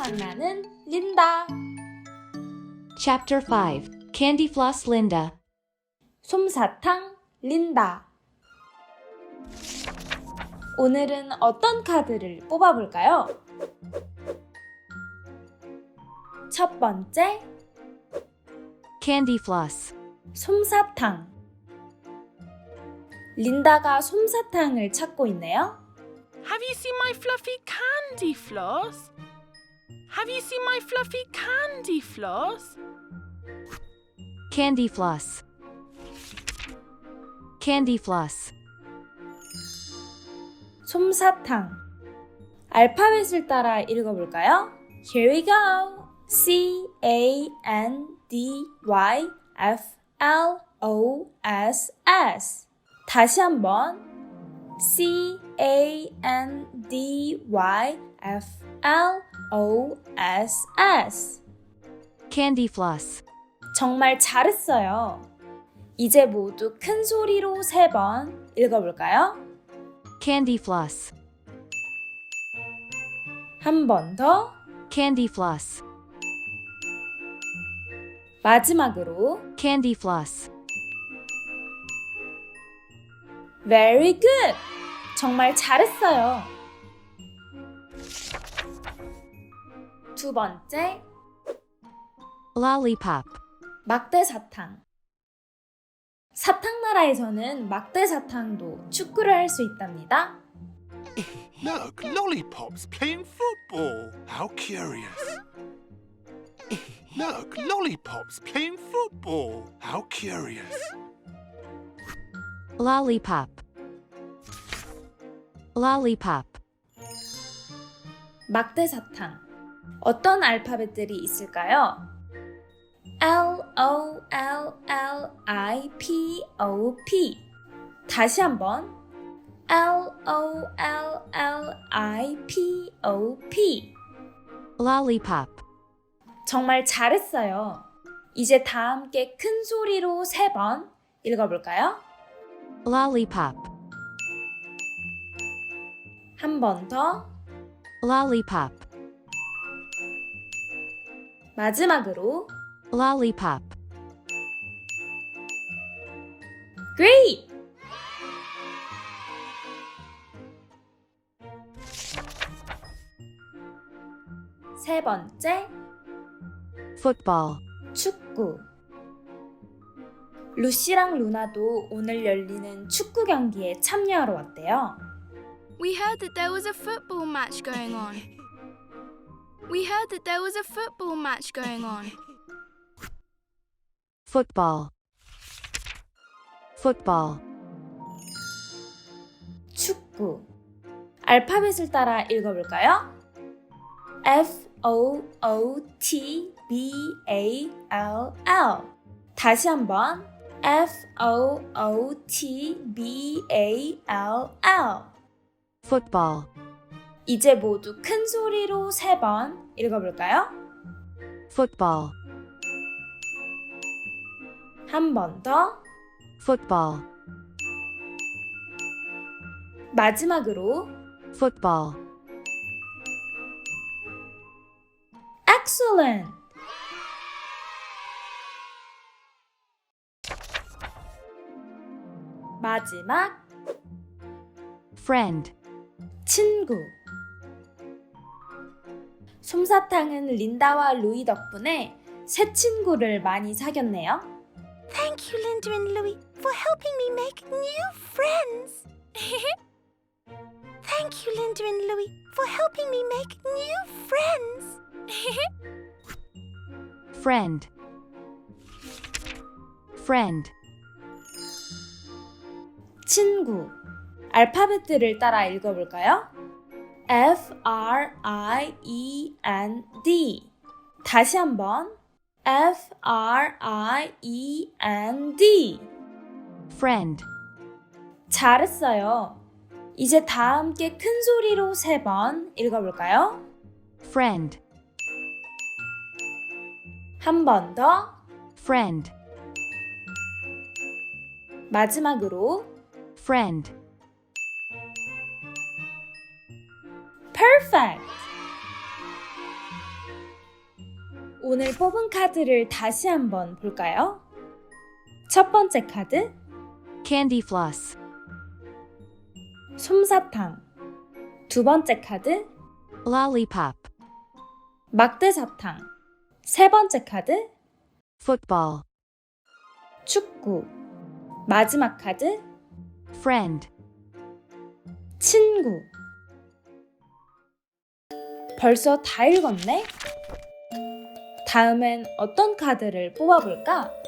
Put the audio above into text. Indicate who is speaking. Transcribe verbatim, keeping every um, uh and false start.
Speaker 1: 장난은 린다.
Speaker 2: Chapter five. Candy Floss Linda.
Speaker 1: 솜사탕 린다. 오늘은 어떤 카드를 뽑아볼까요? 첫 번째,
Speaker 2: Candy Floss.
Speaker 1: 솜사탕. 린다가 솜사탕을 찾고 있네요.
Speaker 3: Have you seen my fluffy candy floss? Have you seen my fluffy candy floss?
Speaker 2: Candy Floss. Candy Floss.
Speaker 1: 솜사탕. 알파벳을 따라 읽어볼까요? Here we go. C A N D Y F L O S S. 다시 한번. C A N D Y F L O S S.
Speaker 2: Candy Floss.
Speaker 1: 정말 잘했어요. 이제 모두 큰 소리로 세 번 읽어볼까요?
Speaker 2: Candy Floss.
Speaker 1: 한 번 더.
Speaker 2: Candy Floss.
Speaker 1: 마지막으로.
Speaker 2: Candy Floss.
Speaker 1: Very good! 정말 잘했어요. 두 번째,
Speaker 2: Lollipop.
Speaker 1: 막대사탕. 사탕나라에서는 막대사탕도 축구를 할 수 있답니다.
Speaker 4: Look, lollipops playing football. How curious. Look, lollipops playing football. How curious.
Speaker 2: Lollipop. Lollipop.
Speaker 1: 막대사탕. 어떤 알파벳들이 있을까요? L O L L I P O P. 다시 한번. L O L L I P O P.
Speaker 2: Lollipop.
Speaker 1: 정말 잘했어요. 이제 다 함께 큰 소리로 세 번 읽어볼까요?
Speaker 2: Lollipop.
Speaker 1: 한 번 더.
Speaker 2: Lollipop.
Speaker 1: 마지막으로.
Speaker 2: Lollipop.
Speaker 1: Great! 세 번째,
Speaker 2: Football.
Speaker 1: 축구. 루시랑 루나도 오늘 열리는 축구 경기에 참여하러 왔대요.
Speaker 5: We heard that there was a football match going on. We heard that there was a football match going on.
Speaker 2: Football. Football.
Speaker 1: 축구. 알파벳을 따라 읽어볼까요? F O O T B A L L. 다시 한번. F O O T B A L L.
Speaker 2: Football.
Speaker 1: 이제 모두 큰 소리로 세 번 읽어볼까요?
Speaker 2: Football.
Speaker 1: 한 번 더.
Speaker 2: Football.
Speaker 1: 마지막으로.
Speaker 2: Football.
Speaker 1: Excellent! 마지막,
Speaker 2: Friend.
Speaker 1: 친구. 솜사탕은 린다와 루이 덕분에 새 친구를 많이 사귀었네요.
Speaker 5: Thank you, Linda and Louie, for helping me make new friends. Thank you, Linda and Louie, for helping me make new friends.
Speaker 2: Friend. Friend.
Speaker 1: 친구. 알파벳들을 따라 읽어볼까요? F R I E N D. 다시 한번. F R I E N D.
Speaker 2: Friend.
Speaker 1: 잘했어요. 이제 다 함께 큰 소리로 세 번 읽어볼까요?
Speaker 2: Friend.
Speaker 1: 한 번 더.
Speaker 2: Friend.
Speaker 1: 마지막으로.
Speaker 2: Friend.
Speaker 1: Perfect! 오늘 뽑은 카드를 다시 한번 볼까요? 첫 번째 카드,
Speaker 2: Candy floss.
Speaker 1: 솜사탕. 두 번째 카드,
Speaker 2: Lollipop.
Speaker 1: 막대사탕. 세 번째 카드,
Speaker 2: Football.
Speaker 1: 축구. 마지막 카드,
Speaker 2: Friend.
Speaker 1: 친구. 벌써 다 읽었네? 다음엔 어떤 카드를 뽑아볼까?